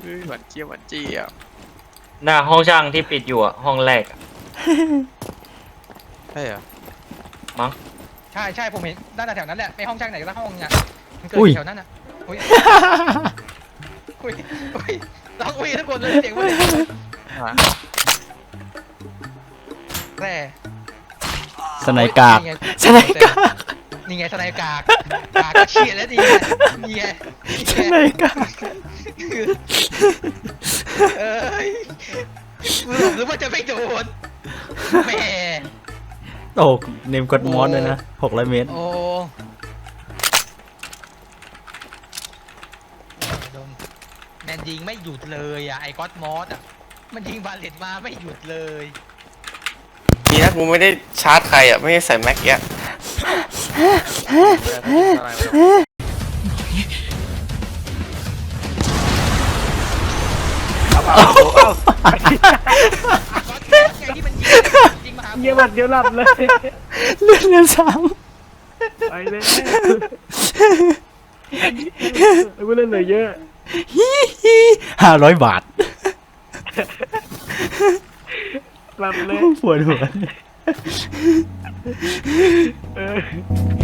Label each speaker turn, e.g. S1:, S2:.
S1: หวานเจี๊ยบหวานเจี๊ยบ
S2: หน้าห้องช่างที่ปิดอยู่อะห้องแรกอะ
S1: ใช่เหรอ
S2: มั้ง
S3: ใช่ผมเห็นด้านแถวนั้นแหละไม่ห้องช่างไหนก็ห้องเนี่ยมันเกิดแถวนั้นอ่ะอุ้ยต้องอุ้ยทุกคนเลยเสียงมันเลยแร่
S4: สไนกากสไนกาก
S3: นี่ไงสไนกากเฉียดแล้วนี่ไง
S4: สไนกาก
S3: เอ้ยหรือว่าจะไม่โดนแหม
S4: โอ้เนมกดมอสเลยนะ600 เมตร
S3: โอ้แมนยิงไม่หยุดเลยอ่ะไอ้ก๊อตมอสอ่ะมันยิงบาเลตมาไม่หยุดเลย
S5: ดีนะกูไม่ได้ชาร์จใครอ่ะไม่ได้ใส่แม็กเงี้ย
S1: อะไรวะ
S3: ก๊อตมอสไงที่มันยิงมาหา
S6: เยี่ยมเดียวหลับเลย
S4: เลื่อนซ้
S6: ไปเลยกูเล่นเหนื่อยเยอะ
S4: ำ500 บาท
S6: หลับเลย
S4: ปวดหัว
S6: เออ